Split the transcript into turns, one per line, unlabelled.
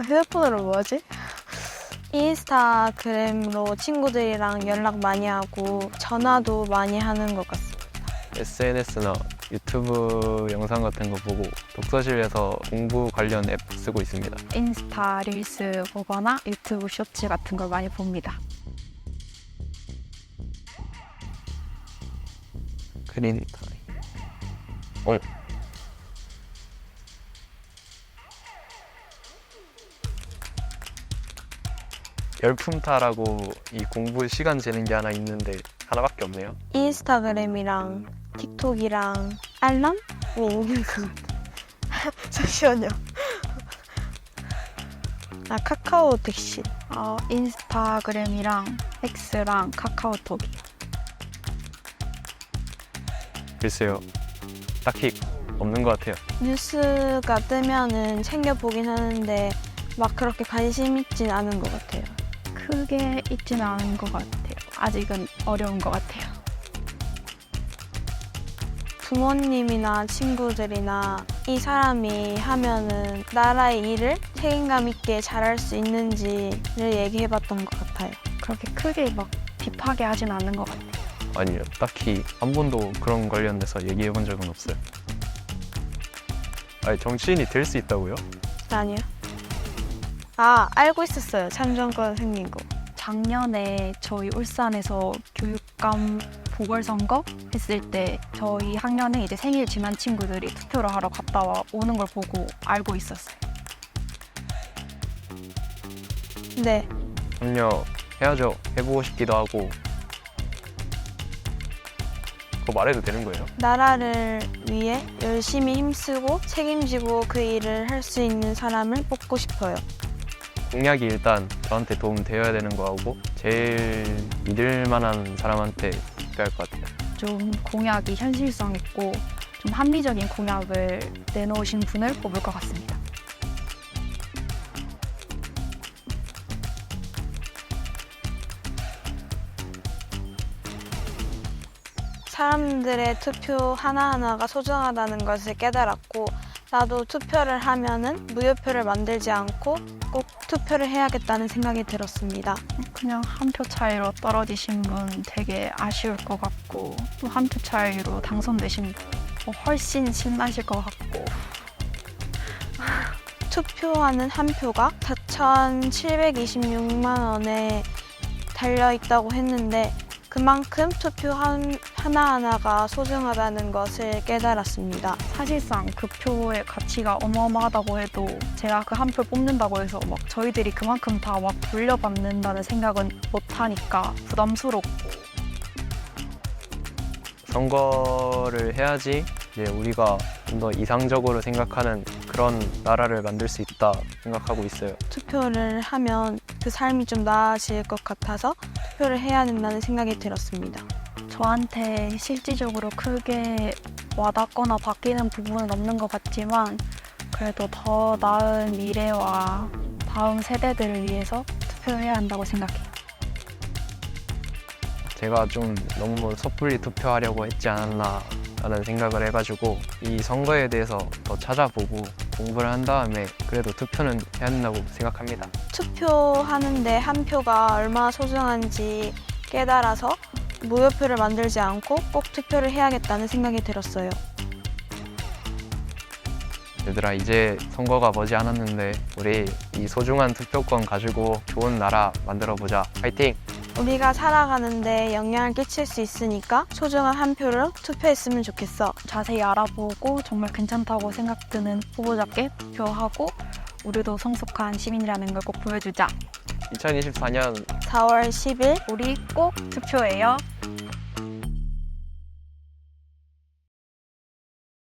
휴대폰으로 뭐하지? 인스타그램으로 친구들이랑 연락 많이 하고 전화도 많이 하는 것 같습니다.
SNS나 유튜브 영상 같은 거 보고 독서실에서 공부 관련 앱 쓰고 있습니다.
인스타 릴스 보거나 유튜브 쇼츠 같은 걸 많이 봅니다.
스크린 타임. 열품타라고 이 공부 시간 재는 게 하나 있는데 하나밖에 없네요.
인스타그램이랑 틱톡이랑 알람이 있는 것 같아요. 잠시만요. 아, 카카오 택시.
인스타그램이랑 X랑 카카오톡이요.
글쎄요, 딱히 없는 것 같아요.
뉴스가 뜨면은 챙겨보긴 하는데 막 그렇게 관심 있진 않은 것 같아요.
크게 있지는 않은 것 같아요. 아직은 어려운 것 같아요.
부모님이나 친구들이나 이 사람이 하면은 나라의 일을 책임감 있게 잘할 수 있는지를 얘기해봤던 것 같아요.
그렇게 크게 막 딥하게 하진 않는 것 같아요.
아니요, 딱히 한 번도 그런 관련돼서 얘기해 본 적은 없어요. 아니, 정치인이 될 수 있다고요?
아니요. 아, 알고 있었어요. 참정권 생긴 거.
작년에 저희 울산에서 교육감 보궐선거 했을 때 저희 학년에 이제 생일 지난 친구들이 투표를 하러 갔다 오는 걸 보고 알고 있었어요.
네.
참여해야죠. 해보고 싶기도 하고. 그거 말해도 되는 거예요?
나라를 위해 열심히 힘쓰고 책임지고 그 일을 할 수 있는 사람을 뽑고 싶어요.
공약이 일단 저한테 도움 되어야 되는 거하고 제일 믿을 만한 사람한테 투표할 것 같아요.
좀 공약이 현실성 있고 좀 합리적인 공약을 내놓으신 분을 뽑을 것 같습니다.
사람들의 투표 하나하나가 소중하다는 것을 깨달았고 나도 투표를 하면은 무효표를 만들지 않고 꼭 투표를 해야겠다는 생각이 들었습니다.
그냥 한 표 차이로 떨어지신 분 되게 아쉬울 것 같고 또 한 표 차이로 당선되신 분 훨씬 신나실 것 같고
투표하는 한 표가 4,726만 원에 달려있다고 했는데 그만큼 투표 하나하나가 소중하다는 것을 깨달았습니다.
사실상 그 표의 가치가 어마어마하다고 해도 제가 그 한 표 뽑는다고 해서 막 저희들이 그만큼 다 막 돌려받는다는 생각은 못하니까 부담스럽고
선거를 해야지 이제 우리가 좀 더 이상적으로 생각하는 그런 나라를 만들 수 있다 생각하고 있어요.
투표를 하면 그 삶이 좀 나아질 것 같아서 투표를 해야 된다는 생각이 들었습니다.
저한테 실질적으로 크게 와닿거나 바뀌는 부분은 없는 것 같지만 그래도 더 나은 미래와 다음 세대들을 위해서 투표해야 한다고 생각해요.
제가 좀 너무 섣불리 투표하려고 했지 않았나 라는 생각을 해가지고 이 선거에 대해서 더 찾아보고 공부를 한 다음에 그래도 투표는 해야 된다고 생각합니다.
투표하는데 한 표가 얼마나 소중한지 깨달아서 무효표를 만들지 않고 꼭 투표를 해야겠다는 생각이 들었어요.
얘들아, 이제 선거가 머지 않았는데 우리 이 소중한 투표권 가지고 좋은 나라 만들어보자. 파이팅!
우리가 살아가는데 영향을 끼칠 수 있으니까 소중한 한 표를 투표했으면 좋겠어.
자세히 알아보고 정말 괜찮다고 생각드는 후보자께 투표하고 우리도 성숙한 시민이라는 걸 꼭 보여주자.
2024년
4월 10일
우리 꼭 투표해요.